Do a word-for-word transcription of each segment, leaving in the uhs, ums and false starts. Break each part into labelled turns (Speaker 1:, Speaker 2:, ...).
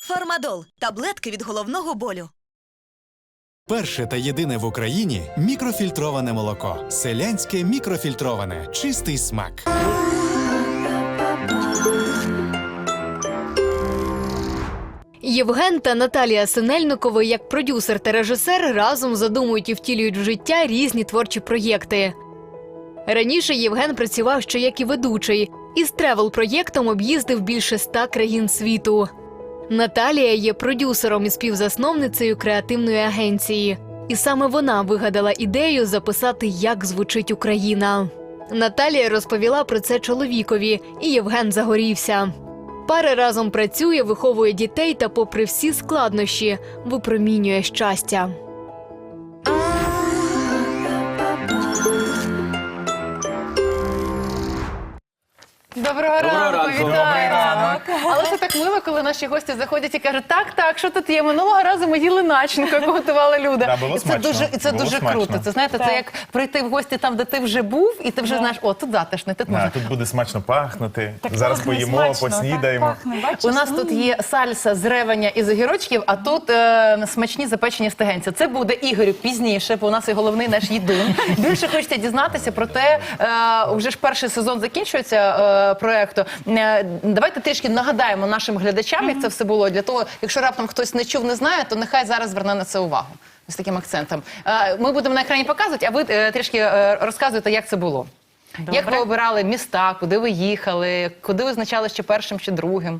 Speaker 1: Фармадол – таблетки від головного болю.
Speaker 2: Перше та єдине в Україні мікрофільтроване молоко. Селянське мікрофільтроване. Чистий смак.
Speaker 3: Євген та Наталія Синельникови, як продюсер та режисер, разом задумують і втілюють в життя різні творчі проєкти. Раніше Євген працював ще як і ведучий. Із тревел-проєктом об'їздив більше ста країн світу. Наталія є продюсером і співзасновницею креативної агенції. І саме вона вигадала ідею записати «Як звучить Україна». Наталія розповіла про це чоловікові, і Євген загорівся. Пара разом працює, виховує дітей та, попри всі складнощі, випромінює щастя.
Speaker 4: Доброго,
Speaker 5: Доброго
Speaker 4: ранку,
Speaker 5: ранку.
Speaker 4: вітаємо! Але це так мило, коли наші гості заходять і кажуть, так, так, що тут є? Минулого разу ми їли начинку, яку готувала Люда.
Speaker 5: Да, було
Speaker 4: І це
Speaker 5: смачно.
Speaker 4: дуже, і це
Speaker 5: Було
Speaker 4: дуже
Speaker 5: смачно.
Speaker 4: круто. Це, знаєте, це як прийти в гості там, де ти вже був, і ти вже знаєш, о, тут затишно, тут
Speaker 5: Да,
Speaker 4: можна.
Speaker 5: тут буде смачно пахнути.
Speaker 6: Так
Speaker 5: Зараз
Speaker 6: пахне
Speaker 5: поїмо,
Speaker 6: смачно,
Speaker 5: поснідаємо.
Speaker 6: так пахне, бачиш?
Speaker 4: У нас тут є сальса з ревеня і з огірочків, а тут е, смачні запечені стегенці. Це буде, Ігорю, пізніше, бо у нас і головний наш їдун. Більше хочете дізнатися про те, е, вже ж перший сезон закінчується е, проєкту. Е, давайте трішки нагадаємо нашим глядачам, як це все було. Для того, якщо раптом хтось не чув, не знає, то нехай зараз зверне на це увагу. З таким акцентом. Е, ми будемо на екрані показувати, а ви е, трішки е, розказуєте, як це було.
Speaker 6: Добре.
Speaker 4: Як ви обирали міста, куди ви їхали, куди визначали, чи першим, чи другим?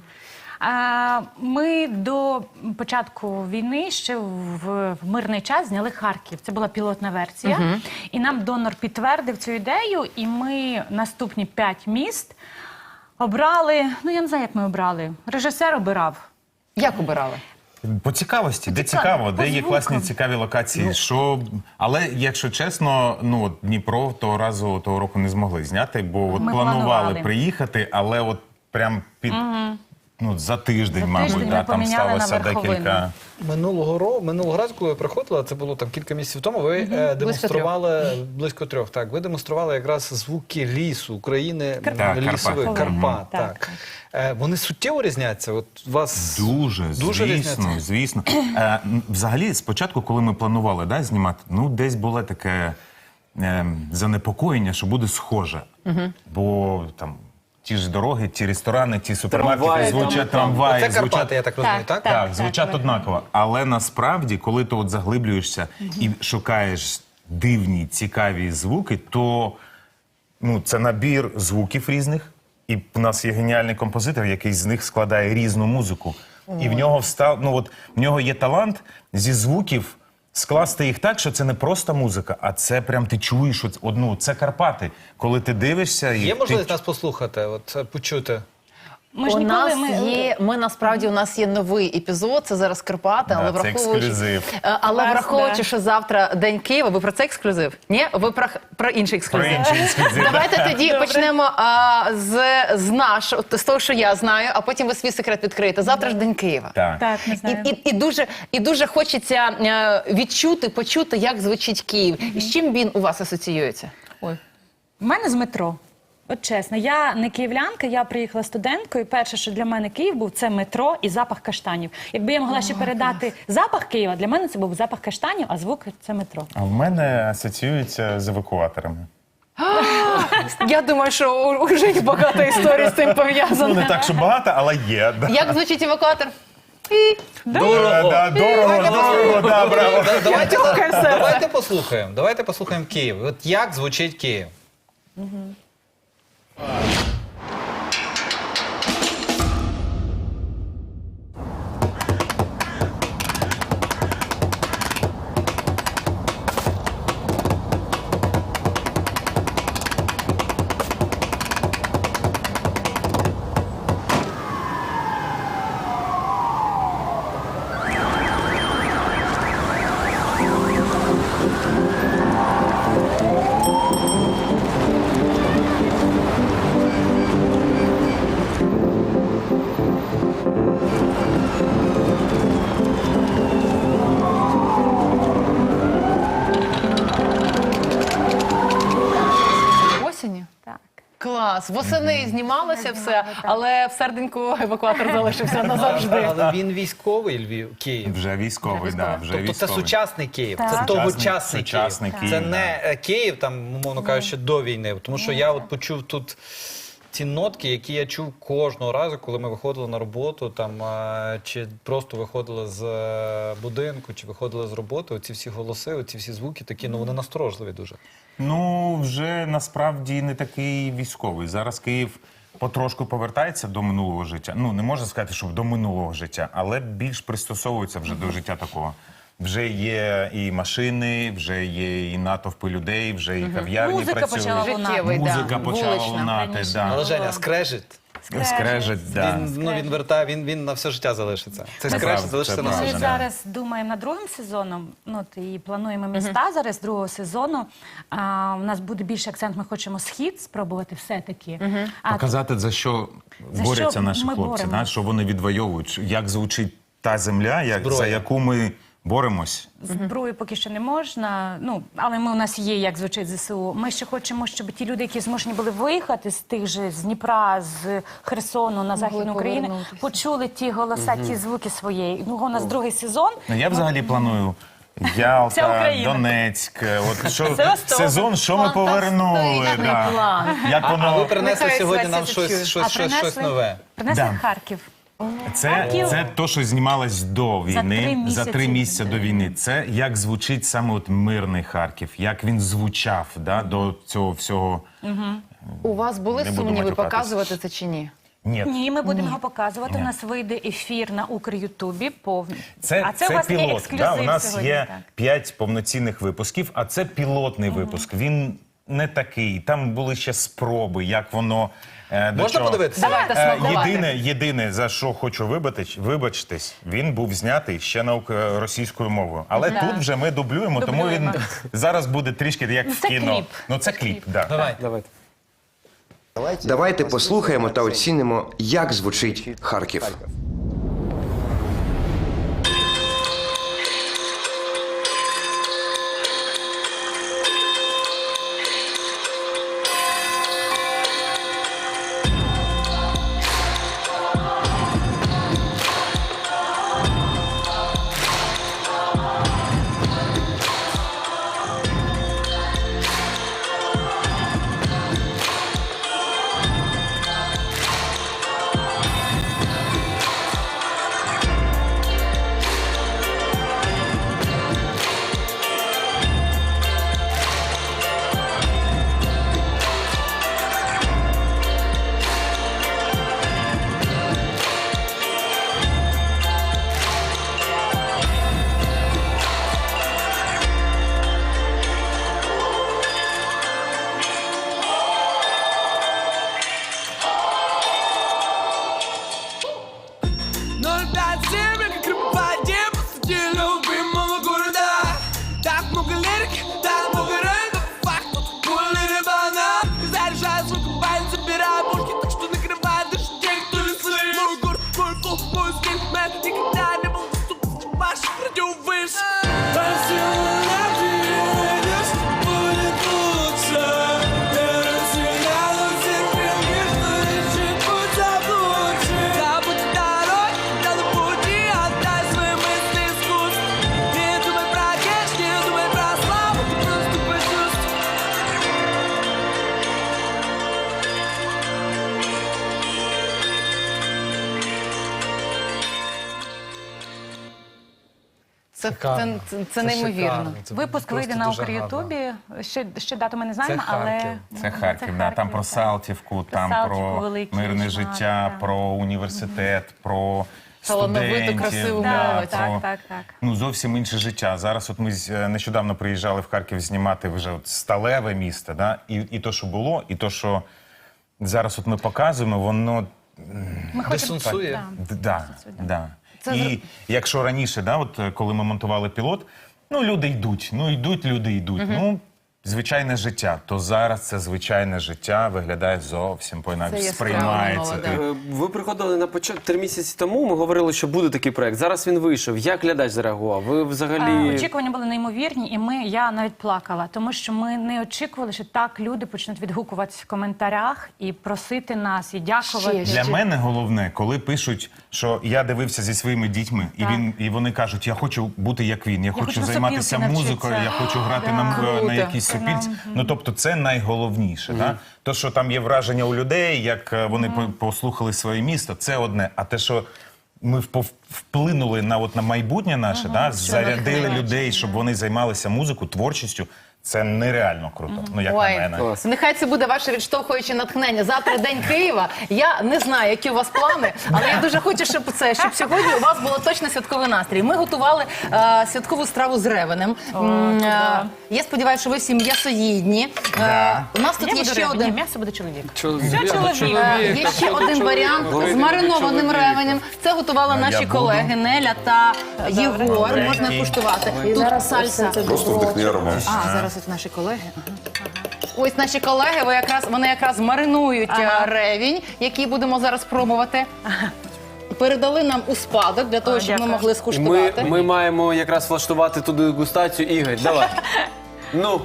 Speaker 6: А, Ми до початку війни ще в, в мирний час зняли Харків. Це була пілотна версія. І нам донор підтвердив цю ідею, і ми наступні п'ять міст обрали, ну я не знаю, як ми обрали. Режисер обирав.
Speaker 4: Як обирали?
Speaker 5: По цікавості, де
Speaker 6: цікаво,
Speaker 5: цікаво,
Speaker 6: по
Speaker 5: де є
Speaker 6: звукам.
Speaker 5: класні цікаві локації. Що... Але, якщо чесно, ну, от Дніпро того разу, того року не змогли зняти, бо от
Speaker 6: Ми
Speaker 5: планували
Speaker 6: планували.
Speaker 5: приїхати, але от прям під... Ну, за тиждень,
Speaker 6: За
Speaker 5: мабуть,
Speaker 6: тиждень
Speaker 5: да,
Speaker 6: ми
Speaker 5: там
Speaker 6: поміняли на
Speaker 5: сталося
Speaker 6: верховину.
Speaker 5: декілька...
Speaker 7: Минулого року, минулого разу, коли ви приходили, це було там кілька місяців тому, ви е, демонстрували, близько трьох, так, ви демонстрували якраз звуки лісу, України,
Speaker 5: Карпат.
Speaker 7: лісових,
Speaker 5: Карпат.
Speaker 7: Карпат,
Speaker 6: Так,
Speaker 7: так. Е, вони суттєво різняться? От у вас
Speaker 5: Дуже,
Speaker 7: дуже
Speaker 5: звісно,
Speaker 7: різняться?
Speaker 5: звісно. Е, м, взагалі, спочатку, коли ми планували, да, знімати, ну, десь було таке е, занепокоєння, що буде схоже. Бо там ті ж дороги, ті ресторани, ті супермаркети
Speaker 8: Трамваї,
Speaker 5: звучать,
Speaker 8: там,
Speaker 5: трамваї,
Speaker 7: Це
Speaker 5: звучать...
Speaker 7: Карпати, я так розумію, так?
Speaker 6: Так.
Speaker 5: Так, звучать однаково. Але насправді, коли ти от заглиблюєшся і шукаєш дивні, цікаві звуки, то ну, це набір звуків різних. І в нас є геніальний композитор, який з них складає різну музику. І в нього встав, ну от в нього є талант зі звуків скласти їх так, що це не просто музика, а це прям ти чуєш одну. Це Карпати. Коли ти дивишся, і
Speaker 7: Є
Speaker 5: ти...
Speaker 7: можливість нас послухати, от, е, почути?
Speaker 6: Ми ж
Speaker 4: у
Speaker 6: ніколи
Speaker 4: нас
Speaker 6: ми...
Speaker 4: є, ми насправді у нас є новий епізод, це зараз Карпати,
Speaker 5: Да,
Speaker 4: але
Speaker 5: це
Speaker 4: враховуючи,
Speaker 5: ексклюзив.
Speaker 4: Е, але
Speaker 6: Клас,
Speaker 4: враховуючи,
Speaker 6: да.
Speaker 4: що завтра День Києва, ви про це ексклюзив? Ні? Ви про, про інший
Speaker 5: Про
Speaker 4: ексклюзив.
Speaker 5: інший ексклюзив, да.
Speaker 4: Давайте тоді почнемо а, з, з нашого, з того, що я знаю, а потім ви свій секрет відкриєте. Завтра ж День Києва.
Speaker 5: Так.
Speaker 6: Так, не
Speaker 4: І,
Speaker 6: знаю.
Speaker 4: і, і, дуже, і дуже хочеться е, відчути, почути, як звучить Київ. І з чим він у вас асоціюється? Ой.
Speaker 6: У мене з метро. От чесно, я не київлянка, я приїхала студенткою. Перше, що для мене Київ був, це метро і запах каштанів. Якби я могла ще передати запах Києва, для мене це був запах каштанів, а звук – це метро.
Speaker 5: А в мене асоціюється з евакуаторами.
Speaker 4: Я думаю, що у, у Жені багато історій з цим
Speaker 5: Ну,
Speaker 4: пов'язано.
Speaker 5: не так, що багато, але є. Да.
Speaker 4: Як звучить евакуатор?
Speaker 5: Дорого, да, дорого, дорого, да, браво.
Speaker 7: Да, давайте, давайте послухаємо, давайте послухаємо Київ. От як звучить Київ?
Speaker 4: Клас! Восени знімалося все, але в серденьку евакуатор залишився назавжди.
Speaker 7: Але він військовий Львів, Київ.
Speaker 5: Вже військовий, да, вже
Speaker 7: Тобто це
Speaker 5: військовий.
Speaker 7: сучасний Київ,
Speaker 6: Так.
Speaker 7: це
Speaker 6: Сучасний-
Speaker 7: тогочасний Київ.
Speaker 5: сучасний Київ,
Speaker 7: Це
Speaker 5: да.
Speaker 7: не е, Київ, там, умовно кажучи, до війни. Тому що я от почув тут ці нотки, які я чув кожного разу, коли ми виходили на роботу, там, е, чи просто виходили з е, будинку, чи виходили з роботи. Оці всі голоси, оці всі звуки такі, ну вони насторожливі дуже.
Speaker 5: Ну, вже насправді не такий військовий. Зараз Київ потрошку повертається до минулого життя. Ну, не можна сказати, що до минулого життя, але більш пристосовується вже до життя такого. Вже є і машини, вже є і натовпи людей, вже і кав'ярні
Speaker 6: Музика
Speaker 5: працюють.
Speaker 6: почала лунати.
Speaker 4: Життєвий, да.
Speaker 5: Музика почала
Speaker 4: Вулична.
Speaker 5: лунати,
Speaker 6: Раніше
Speaker 5: да.
Speaker 7: Але Женя, скрежет.
Speaker 5: Скрежет, да.
Speaker 7: Він, ну, він вертає, він, він на все життя залишиться. Це
Speaker 5: Це
Speaker 7: скрежет
Speaker 5: правда,
Speaker 7: залишиться
Speaker 5: це
Speaker 7: на
Speaker 6: Ми
Speaker 7: все
Speaker 5: правда.
Speaker 7: життя.
Speaker 6: зараз думаємо над другим сезоном, ну, от, і плануємо міста зараз другого сезону. А, у нас буде більше акцент, ми хочемо схід спробувати все-таки. А,
Speaker 5: Показати, за що
Speaker 6: За
Speaker 5: борються
Speaker 6: що
Speaker 5: наші
Speaker 6: ми
Speaker 5: хлопці,
Speaker 6: боремось.
Speaker 5: да, що вони відвоюють, як звучить та земля, як,
Speaker 7: Зброя.
Speaker 5: за яку ми боремось.
Speaker 6: Зброю поки що не можна, ну, але ми, у нас є, як звучить ЗСУ. Ми ще хочемо, щоб ті люди, які змушені були виїхати з тих же, з Дніпра, з Херсону на Західну Україну,
Speaker 4: повернутися.
Speaker 6: почули ті голоса, ті звуки своєї. Ну, у нас другий сезон.
Speaker 5: Ну, я взагалі планую
Speaker 6: Вся
Speaker 5: Ялта,
Speaker 6: Україна.
Speaker 5: Донецьк. От що
Speaker 6: Севастополь.
Speaker 5: сезон, що ми повернули.
Speaker 4: Фантастичний
Speaker 5: Да.
Speaker 4: план.
Speaker 5: Як
Speaker 7: А ви
Speaker 5: воно
Speaker 7: принесли
Speaker 4: Нехай
Speaker 7: сьогодні
Speaker 4: Свася
Speaker 7: нам
Speaker 4: це
Speaker 7: щось,
Speaker 4: чує.
Speaker 7: щось, щось, щось нове.
Speaker 6: принесли
Speaker 5: Да.
Speaker 6: Харків.
Speaker 5: це,
Speaker 6: Харків.
Speaker 5: це то, що знімалось до війни,
Speaker 6: три
Speaker 5: за
Speaker 6: місяці.
Speaker 5: три місяці до війни. Це як звучить саме от мирний Харків, як він звучав, да, до цього всього.
Speaker 4: У вас були
Speaker 5: Не буду
Speaker 4: сумніви
Speaker 5: матюкатись.
Speaker 4: показувати це чи ні?
Speaker 5: Ні.
Speaker 6: Ні, ми будемо його показувати. У нас вийде ефір на Укрютубі повний.
Speaker 5: Це,
Speaker 6: а це,
Speaker 5: це
Speaker 6: у вас є
Speaker 5: пілот.
Speaker 6: ексклюзив
Speaker 5: Да, у нас
Speaker 6: сьогодні.
Speaker 5: є
Speaker 6: Так.
Speaker 5: п'ять повноцінних випусків, а це пілотний випуск. Він не такий. Там були ще спроби, як воно. е, до
Speaker 7: Можна
Speaker 5: чого-
Speaker 7: подивитися?
Speaker 4: Давайте
Speaker 5: Е,
Speaker 4: смакувати.
Speaker 5: Єдине, єдине, за що хочу вибачити, вибачитись, він був знятий ще на ук- російською мовою. Але
Speaker 4: Да.
Speaker 5: тут вже ми дублюємо, тому він
Speaker 4: Дублюємо.
Speaker 5: зараз буде трішки як
Speaker 6: Ну,
Speaker 5: в
Speaker 6: це
Speaker 5: кіно.
Speaker 6: кліп.
Speaker 5: Ну це кліп, да.
Speaker 7: Давай, давайте.
Speaker 8: Давайте послухаємо та оцінимо, як звучить Харків.
Speaker 9: ноль пять семь, как рыбаки, посреди любимого города. Так много лирики, так много рэпа, факт, пульный рыбана. Заряжаю звук, байн, забираю бульки, так что накрывает даже тех, кто не слышит. Мой город, мой флоу, мой стиль, мэн, никогда не был доступен ваших радиовыш. По силам надеюсь, будет лучше. Я разделяю всех крыльев, что ищет путь заблудший. Забудь дорог, да на пути, отдай свои мысли искусству. Не думай про кэш, не думай про славу, ты просто почувствуй.
Speaker 4: Це, це,
Speaker 7: Шикарно.
Speaker 4: це, це
Speaker 7: Це
Speaker 4: неймовірно.
Speaker 7: шикарно. Це
Speaker 6: Випуск
Speaker 7: просто
Speaker 6: вийде на
Speaker 7: дуже
Speaker 6: Укрютубі. Ще, ще дату ми не знаємо,
Speaker 7: Це
Speaker 6: але...
Speaker 7: Харків.
Speaker 5: Це Харків, да. Там про
Speaker 6: так.
Speaker 5: Салтівку, там
Speaker 6: Салтівку,
Speaker 5: про
Speaker 6: Великий
Speaker 5: мирне
Speaker 6: Шмат,
Speaker 5: життя,
Speaker 6: так.
Speaker 5: про університет, про
Speaker 4: Талановиту,
Speaker 5: студентів.
Speaker 4: красиву
Speaker 5: да,
Speaker 4: молодь.
Speaker 5: про,
Speaker 6: Так, так, так.
Speaker 5: Ну, зовсім інше життя. Зараз от ми з- е, нещодавно приїжджали в Харків знімати вже от сталеве місто, да? і, і то, що було, і то, що зараз от ми показуємо, воно
Speaker 6: Ми хочемо...
Speaker 7: Дисонсує.
Speaker 6: Так.
Speaker 5: Д- Да, да.
Speaker 4: Це
Speaker 5: І
Speaker 4: зр-
Speaker 5: якщо раніше, да, от, е, коли ми монтували пілот, ну люди йдуть, ну йдуть, люди йдуть. Ну звичайне життя, то зараз це звичайне життя виглядає зовсім по-інакше,
Speaker 4: Це яскраво,
Speaker 5: сприймається.
Speaker 4: молоде.
Speaker 5: Ти-
Speaker 10: Е, Ви приходили на початку три місяці тому. Ми говорили, що буде такий проект. Зараз він вийшов. Як глядач зареагував? Ви взагалі
Speaker 6: Е, Очікування були неймовірні, і ми, я навіть плакала, тому що ми не очікували, що так люди почнуть відгукуватися в коментарях і просити нас, і дякувати.
Speaker 4: Ще,
Speaker 5: Для мене головне, коли пишуть, що я дивився зі своїми дітьми, і
Speaker 6: Так.
Speaker 5: він і вони кажуть, я хочу бути як він, я хочу
Speaker 6: хочу на
Speaker 5: займатися
Speaker 6: сопілки
Speaker 5: музикою, я
Speaker 6: навчитися.
Speaker 5: хочу грати
Speaker 6: Так.
Speaker 5: на, м-
Speaker 4: Круто.
Speaker 5: на якійсь сопілці. Ну тобто, це найголовніше. Да? То, що там є враження у людей, як е, вони по- послухали своє місто, це одне. А те, що ми впов- вплинули на от на майбутнє наше, да? зарядили
Speaker 4: натхнення.
Speaker 5: людей, щоб вони займалися музикою, творчістю. Це нереально круто. Ну як
Speaker 4: Ой,
Speaker 5: на мене.
Speaker 10: Клас.
Speaker 4: нехай це буде ваше відштовхуюче натхнення. Завтра День Києва. Я не знаю, які у вас плани, але я дуже хочу, щоб це, щоб сьогодні у вас було точно святковий настрій. Ми готували е, святкову страву з ревенем. М, е, я сподіваюся, що ви всі м'ясоїдні. Е, у нас тут
Speaker 6: Я
Speaker 4: є
Speaker 6: буду
Speaker 4: ще
Speaker 6: риба. Ні,
Speaker 4: один.
Speaker 6: м'ясо буде чоловік.
Speaker 10: чоловік?
Speaker 6: чоловік.
Speaker 4: Е, Є ще один варіант з маринованим ревенем. Це готували
Speaker 5: А
Speaker 4: наші
Speaker 5: я буду.
Speaker 4: колеги Неля та Єгор.
Speaker 5: Добренький.
Speaker 4: Можна куштувати. Тут сальса.
Speaker 8: Просто вдихни аромат.
Speaker 4: А, зараз ось наші колеги. Ось наші колеги, ви якраз, вони якраз маринують
Speaker 6: Ага.
Speaker 4: е, ревінь, який будемо зараз пробувати. Передали нам у спадок для того,
Speaker 6: О,
Speaker 4: щоб ми
Speaker 6: дякую.
Speaker 4: могли
Speaker 10: Ми,
Speaker 4: скуштувати.
Speaker 10: ми маємо якраз влаштувати ту дегустацію. Ігор, давай. Ну.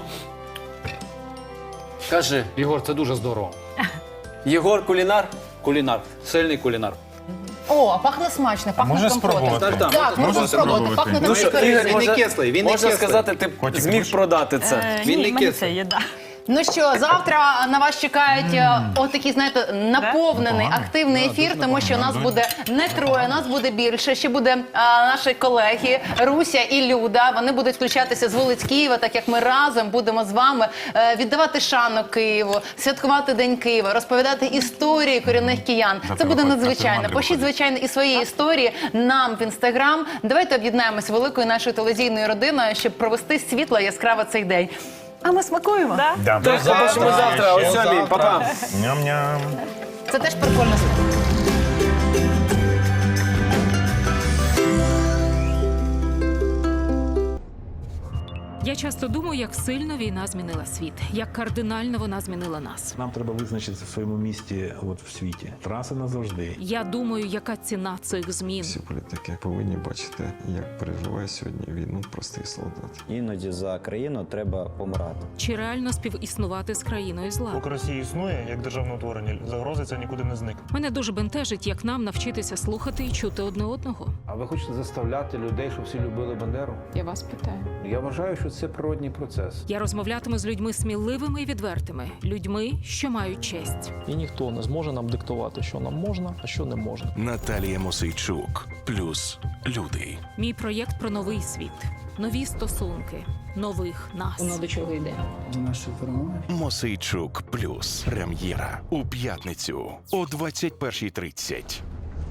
Speaker 10: Кажи,
Speaker 11: Ігор, це дуже здорово.
Speaker 10: Єгор кулінар?
Speaker 11: Кулінар, сильний кулінар.
Speaker 4: О, пахне смачно, пахне
Speaker 5: Можна
Speaker 4: компотом.
Speaker 5: спробувати?
Speaker 11: Так, так.
Speaker 4: Так, можна
Speaker 5: Можна
Speaker 4: спробувати.
Speaker 5: спробувати?
Speaker 4: Пахне
Speaker 10: Ну
Speaker 4: так
Speaker 10: що,
Speaker 4: шикарно.
Speaker 10: Ігор,
Speaker 11: Він не
Speaker 10: можна,
Speaker 11: кислий, він не
Speaker 10: можна
Speaker 11: кислий.
Speaker 10: сказати, ти
Speaker 5: Котик,
Speaker 10: зміг
Speaker 5: будеш?
Speaker 10: продати це.
Speaker 6: Е,
Speaker 11: Він
Speaker 6: ні,
Speaker 11: не
Speaker 6: мені
Speaker 11: кислий.
Speaker 6: це є, да.
Speaker 4: Ну що, завтра на вас чекають е, отакий, знаєте, наповнений,
Speaker 5: Непогано.
Speaker 4: активний ефір, тому що нас
Speaker 5: Дуже.
Speaker 4: буде не троє, нас буде більше. Ще буде е, наші колеги Руся і Люда. Вони будуть включатися з вулиць Києва, так як ми разом будемо з вами е, віддавати шану Києву, святкувати День Києва, розповідати історії корінних киян. Це
Speaker 5: Завтра
Speaker 4: буде
Speaker 5: виходить,
Speaker 4: надзвичайно.
Speaker 5: завтра
Speaker 4: Пишіть,
Speaker 5: виходить.
Speaker 4: звичайно, і свої історії нам в інстаграм. Давайте об'єднаємося великою нашою телевізійною родиною, щоб провести світло яскраво цей день. А ми смакуємо.
Speaker 6: Да?
Speaker 5: Да.
Speaker 10: Так, побачимо завтра о
Speaker 5: Ще
Speaker 10: сьомій.
Speaker 5: завтра.
Speaker 10: Па-па.
Speaker 5: Ням-ням.
Speaker 4: Це теж прикольно.
Speaker 12: Я часто думаю, як сильно війна змінила світ, як кардинально вона змінила нас.
Speaker 13: Нам треба визначитися в своєму місті от в світі. Траси назавжди.
Speaker 12: Я думаю, яка ціна цих змін.
Speaker 14: Всі політики повинні бачити, як переживає сьогодні війну простий солдат.
Speaker 15: Іноді за країну треба помирати.
Speaker 12: Чи реально співіснувати з країною зла?
Speaker 16: Поки Росія існує як державне утворення, загрози це нікуди не зникне.
Speaker 12: Мене дуже бентежить, як нам навчитися слухати і чути одне одного.
Speaker 11: А ви хочете заставляти людей, щоб всі любили Бандеру?
Speaker 12: Я вас питаю.
Speaker 11: Я вважаю, що це природній процес.
Speaker 12: Я розмовлятиму з людьми сміливими і відвертими, людьми, що мають честь.
Speaker 16: І ніхто не зможе нам диктувати, що нам можна, а що не можна.
Speaker 13: Наталія Мосейчук. Плюс люди.
Speaker 12: Мій проєкт про новий світ, нові стосунки, нових нас.
Speaker 6: Воно до чого йде?
Speaker 16: До нашої перемоги.
Speaker 13: Мосейчук. Плюс. Прем'єра. У п'ятницю о двадцять першій тридцять.